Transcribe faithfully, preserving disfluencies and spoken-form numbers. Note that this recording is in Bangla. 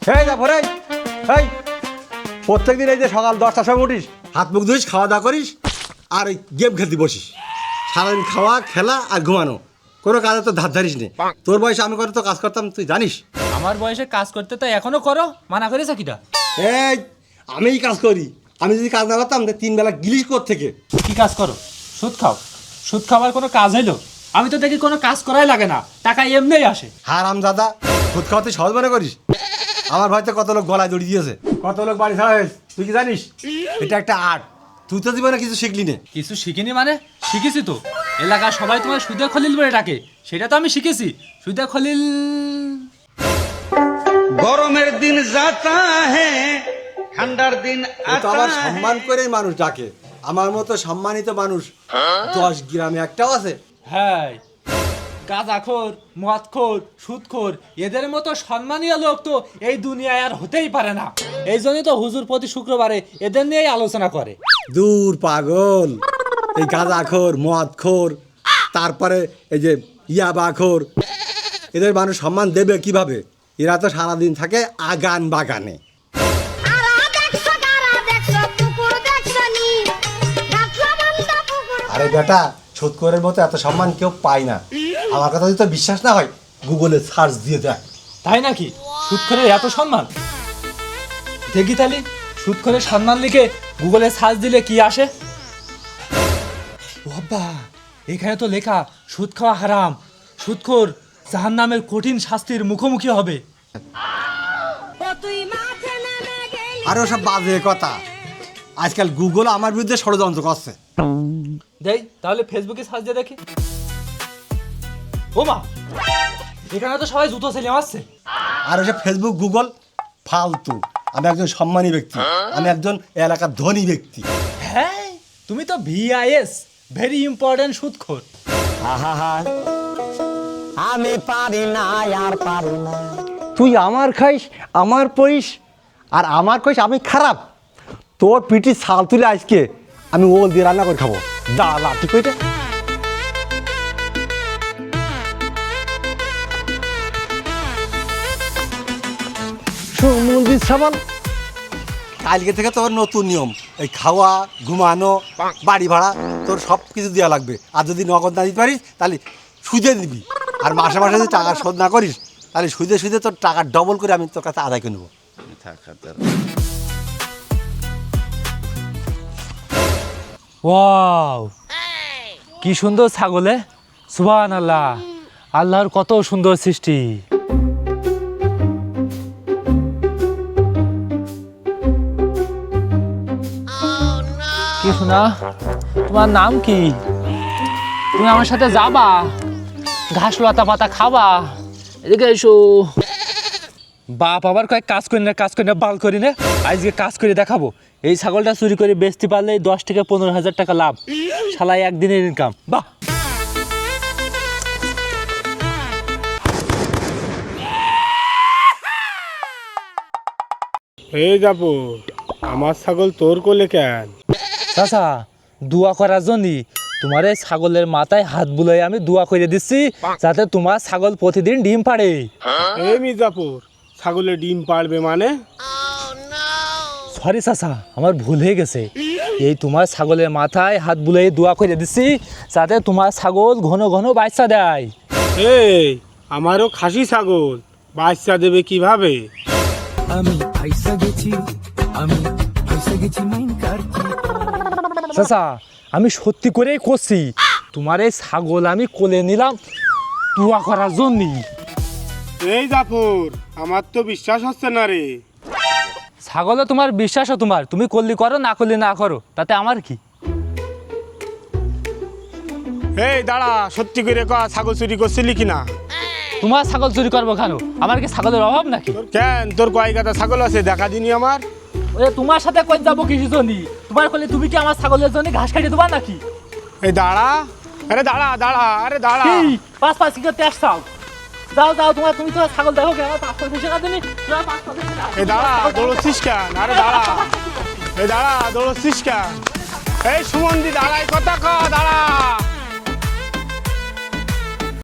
এই জাফর এই এই প্রত্যেক দিন এই যে সকাল দশটার সময় উঠিস, হাত মুখ ধুইস, খাওয়া দাওয়া করিস, আর এই গেম খেলতে বসিস। সারাদিন খাওয়া, খেলা আর ঘুমানো, কোনো কাজে তো ধার ধারিস নেই। তোর বয়সে আমি কত কাজ করতাম তুই জানিস? আমার বয়সে কাজ করতে তো এখনো করো, মানা করেছে কিটা? এই আমিই কাজ করি, আমি যদি কাজ না করতাম তিন বেলা গিলিস কর থেকে। কি কাজ করো? সুদ খাও? সুদ খাওয়ার কোনো কাজ হইলো? আমি তো দেখি কোনো কাজ করাই লাগে না, টাকা এমনিই আসে। হারাম দাদা, সুদ খাওয়া তুই সহজ মনে করিস? আমার ভাইতে কত লোক গলায় দড়ি দিয়েছে, কত লোক বাড়ি ছাড়া হয়েছে, তুই কি জানিস? এটা একটা আর্ট। তুই তো জীবনে কিছু শিখলি না। কিছু শিখিনি মানে? শিখেছি তো। এলাকার সবাই তোমার সুদে খলিল বলে ডাকে, সেটা তো আমি শিখেছি। সুদে খলিল। গরমের দিন যাতা হে, ঠান্ডার দিন তো আবার সম্মান করে মানুষ ডাকে। আমার মতো সম্মানিত মানুষ দশ গ্রামে একটাও আছে? হ্যাঁ, গাঁজাখোর, মদখোর, সুদখোর, এদের মতো সম্মানীয় লোক তো এই দুনিয়ায় আর হতেই পারে না। এই জন্যই তো হুজুর প্রতি শুক্রবারে এদের নিয়েই আলোচনা করে। দূর পাগল, এই গাঁজাখোর, মদখোর, তারপরে এই যে ইয়াবাখোর, এদের মানুষ সম্মান দেবে কিভাবে? এরা তো সারাদিন থাকে আগান বাগানে। আরে বেটা, সুদখোরের মতো এত সম্মান কেউ পায় না। আমার কথা যদি তো বিশ্বাস না হয়, গুগলে সার্চ দিয়ে দেখ। তাই নাকি? সুদখোরের এত সম্মান? দেখি তাহলে সুদখোরের সম্মান লিখে গুগলে সার্চ দিলে কি আসে। বাবা, এখানে তো লেখা সুদ খাওয়া হারাম, সুদখোর জাহান্নামের কঠিন শাস্তির মুখোমুখি হবে। আর ওসব বাজে কথা। আজকাল গুগল আমার বিরুদ্ধে ষড়যন্ত্র করছে। দেই তাহলে ফেসবুকে সার্চ দিয়ে দেখি। ও মা, এখানে তো সবাই জুতো ছেলে মারছে। আর ওসব ফেসবুক গুগল ফালতু। আমি একজন সম্মানী ব্যক্তি, আমি একজন এলাকার ধনী ব্যক্তি। হ্যাঁ, তুমি তো ভিআইএস, ভেরি ইম্পর্টেন্ট সুদখোর। আমি পারি না আর পারি না। তুই আমার খাইস, আমার পইস, আর আমার কইস আমি খারাপ। তোর পিঠি ছাল তুলে আজকে আমি ওল দিয়ে রান্না করে খাবো। দা লাঠি কইতে মন্দির সাবান। কালকে থেকে তোর নতুন নিয়ম, এই খাওয়া, ঘুমানো, বাড়ি ভাড়া, তোর সব কিছু দেওয়া লাগবে। আর যদি নগদ না দিতে পারিস তাহলে সুদে দিবি। আর মাসে মাসে যদি টাকা শোধ না করিস তাহলে সুদে সুদে তোর টাকা ডবল করে আমি তোর কাছে আদায় করে নেবো। ওয়াও, কি সুন্দর ছাগলে! সুবহানাল্লাহ, আল্লাহর কত সুন্দর সৃষ্টি। কি শোনা, তোমার নাম কি? তুমি আমার সাথে যাবা, ঘাস লতা পাতা খাবা। এদিকে এসো। বাপ আবার কয়েক কাজ করি না, কাজ করি না, বাল করি না। আজকে কাজ করে দেখাবো। এই ছাগলটা চুরি করে বেচতে পারলে দশ থেকে পনেরো হাজার টাকা লাভ। শালাই একদিনের ইনকাম। বাহ, এই যাবো, আমার ছাগল তোর কোলে কেন? চাচা, দোয়া করার জন্যই তোমার এই ছাগলের মাথায় হাত বুলাই আমি দোয়া করে দিচ্ছি, যাতে তোমার ছাগল প্রতিদিন ডিম পাড়ে। এই মির্জাপুর, ছাগলে ডিম পাড়বে মানে? সরি চাচা, আমার ভুল হয়ে গেছে। এই তোমার ছাগলের মাথায় হাত বুলাই দোয়া করে দিচ্ছি, যাতে তোমার ছাগল ঘন ঘন বাচ্চা দেয়। এই আমারও খাসি ছাগল, বাচ্চা দেবে কিভাবে? আমি ফাইসা গেছি, আমি ফাইসা গেছি মাইন কারকি। চাচা, আমি সত্যি করেই করছি। তোমার এই ছাগল আমি কোলে নিলাম দোয়া করার জন্যই। এই জাফর, আমার তো বিশ্বাস হচ্ছে না রে। ছাগলে তোমার বিশ্বাসও তোমার, তুমি করলি করো, না করলি না করো, তাতে আমার কি? এই দাঁড়া, সত্যি করে কয়া, ছাগল চুরি করছিলি কিনা? তোমার ছাগল চুরি করবো কেন? আমার কি ছাগলের অভাব নাকি? কেন, তোর কয় গাদা ছাগল আছে, দেখা দিনি আমার। ওরে তোমার সাথে কই যাবো কিছু জন্য? তোমার করলে তুমি কি আমার ছাগলের জন্য ঘাস কাটিয়ে দেবা নাকি? এই দাঁড়া, আরে দাঁড়া দাঁড়া, আরে দাঁড়া। কি পাঁচ পাঁচ কি করতে আসছাও? যাও যাও, তোমার তুমি তোমার ছাগল দেখো কেন? পাঁচ পাঁচ বেশি না দিনি, তোমার পাঁচ পাঁচ বেশি না। এই দাঁড়া, দৌড়চ্ছিস কেন? আরে দাঁড়া, এই দাঁড়া, দৌড়চ্ছিস কেন? এই সুমন্দি দাঁড়াই, কথা ক, দাঁড়া।